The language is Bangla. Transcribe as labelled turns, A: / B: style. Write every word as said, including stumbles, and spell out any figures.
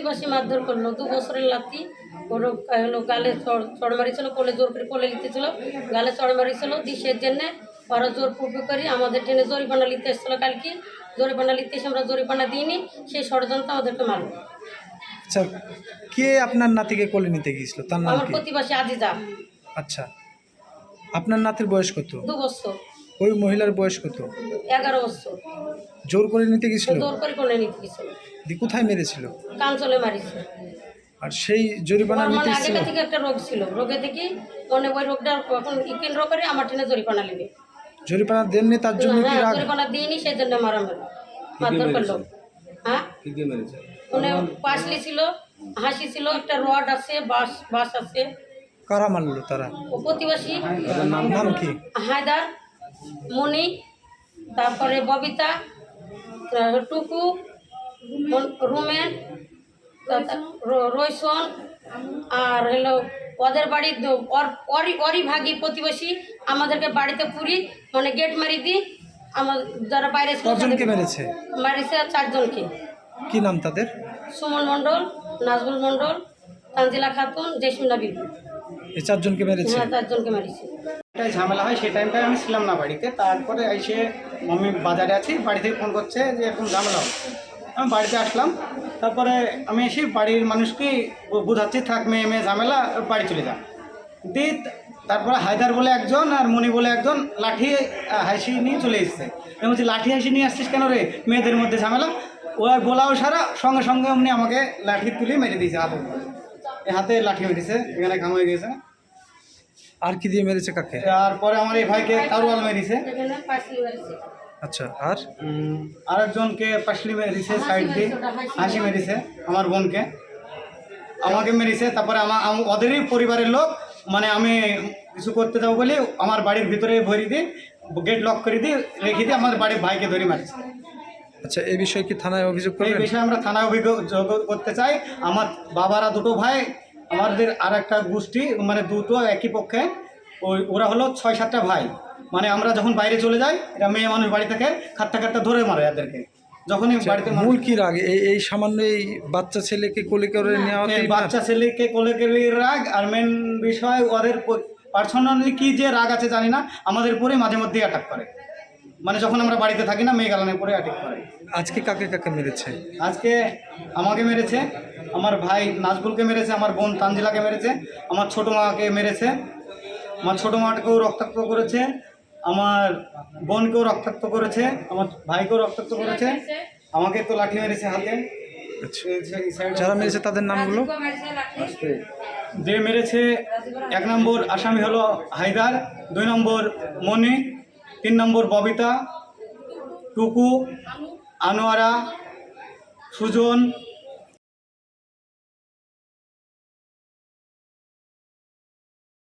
A: প্রতিবাসী মারধর করলো, দু বছরের লাতি ওর হলো গালে চড় মারিছিল, কোলে জোর করে কোলে লিখতেছিল, গালে চড় মারিছিল। দিশের জন্যে ওরা জোর পুপি করি আমাদের ট্রেনে জরিপানা লিখতে এসেছিলো কালকে, জরিপানা লিখতে এসে আমরা জরিপানা দিইনি, সেই ষড়যন্ত্র ওদেরকে মারলো।
B: আচ্ছা, কে আপনার নাতিকে কোলে নিতে গিয়েছিল, তার নাম
A: আমার
B: কি?
A: প্রতিবাসী আজিজা।
B: আচ্ছা, আপনার নাতির বয়স কত?
A: দু বছর।
B: ওই মহিলার বয়স কত?
A: এগারো বছর।
B: জোর করে নিতে গেছিল?
A: জোর করে কোলে নিতে গেছিল।
B: দি কোথায় মেরেছিল?
A: কাঞ্চলে মারিছে।
B: আর সেই জরিমানা
A: ওর
B: নিতে
A: মানে
B: এসেছিল?
A: আগে থেকে একটা রোগ ছিল, রোগে থেকে মানে ওই রোগটা এখন কেন্দ্র করে আমার ট্রেনে জরিপানা নেবে।
B: জরিমানা দেননি তার জন্য কি
A: হ্যাঁ,
B: রাগ?
A: জরিমানা দিইনি, সেই জন্য মারা মারধর করলো। হ্যাঁ, মানে পাশলি ছিল, হাসি ছিল, একটা রড আছে, বাঁশ বাঁশ আছে।
B: কারা মারলো তারা?
A: ও প্রতিবাসী।
B: নাম কি?
A: হায়দার, মণি, তারপরে ববিতা, টুকু, রুমেন, রইসন, আর হলো ওদের বাড়ি অরি অরি ভাগি প্রতিবেশী আমাদেরকে বাড়িতে পুরি মানে গেট মারি দিই। আমার যারা বাইরে
B: কজনকে মেরেছে?
A: মারিছে চারজনকে।
B: কি নাম তাদের?
A: সুমন মণ্ডল, নাজবুল মণ্ডল, তানজিলা খাতুন, জেসমিনা বিবি।
B: এই চারজনকে মেরেছে?
A: হ্যাঁ, চারজনকে মারিছে।
C: এটাই ঝামেলা হয়, সেই টাইমটায় আমি ছিলাম না বাড়িতে। তারপরে এসে আমি বাজারে আছি, বাড়ি থেকে ফোন করছে যে এরকম ঝামেলা হচ্ছে। আমি বাড়িতে আসলাম, তারপরে আমি এসে বাড়ির মানুষকে বোঝাচ্ছি থাক মেয়ে মেয়ে ঝামেলা, বাড়ি চলে যান দিয়ে। তারপরে হায়দার বলে একজন আর মণি বলে একজন লাঠি হাসি নিয়ে চলে এসছে। আমি বলছি লাঠি হাসি নিয়ে আসছিস কেন রে, মেয়েদের মধ্যে ঝামেলা। ও আর বলাও সারা সঙ্গে সঙ্গে অমনি আমাকে লাঠি তুলে মেরে দিয়েছে হাতে, এই হাতে লাঠি মেরেছে, এখানে ঘাম হয়ে গেছে।
B: আর কি দিয়ে মেরেছে কাকে?
C: তারপরে আমার এই ভাইকে তারওয়াল মেরেছে।
B: আচ্ছা, আর
C: আরেকজনকে পাশলি মেরেছে, সাইড দিয়ে হাসি মেরেছে, আমার বোনকে আমাকে মেরেছে। তারপরে আমার ওদেরই পরিবারের লোক, মানে আমি কিছু করতে যাবো বলে আমার বাড়ির ভিতরে ভরি দিয়ে গেট লক করে দিয়ে রেখে দিয়ে আমার বাড়ির ভাইকে ধরে মারছে।
B: আচ্ছা, এই বিষয়ে কি থানায় অভিযোগ
C: এই
B: করবেন?
C: বিষয়ে আমরা থানায় অভিযোগ করতে চাই। আমার বাবারা দুটো ভাই, আমাদের আর একটা গোষ্ঠী, মানে দুটো একই পক্ষে, ওই ওরা হলো ছয় সাতটা ভাই। মানে আমরা যখন বাইরে চলে যাই, এরা মেয়ে মানুষ বাড়ি থেকে খাট্টা খাট্টা ধরে মারে এদেরকে। যখনই বাড়িতে
B: মূল কি রাগ? এই এই সামান্য এই বাচ্চা ছেলেকে কোলে করে নেওয়া?
C: বাচ্চা ছেলেকে কোলে করে রাগ, আর মেন বিষয় ওদের পার্সোনালি কি যে রাগ আছে জানি না, আমাদের পরে মাঝে মধ্যেই অ্যাটাক করে। মানে যখন আমরা বাড়িতে থাকি না, মেয়ে গালানের পরে অ্যাটাক করে।
B: আজকে কাকে কাকে মেরেছে?
C: আজকে আমাকে মেরেছে, আমার ভাই নাজবুলকে মেরেছে, আমার বোন তানজিলাকে মেরেছে, আমার ছোটো মাকে মেরেছে, আমার ছোটো মাকেও রক্তাক্ত করেছে, আমার বোনকেও রক্তাক্ত করেছে, আমার ভাইকেও রক্তাক্ত করেছে, আমাকে তো লাঠি মেরেছে হাতে।
B: যারা মেরেছে তাদের নামগুলো?
C: যে মেরেছে, এক নম্বর আসামি হলো হায়দার, দুই নম্বর মণি, তিন নম্বর ববিতা, টুকু, আনোয়ারা, সুজন,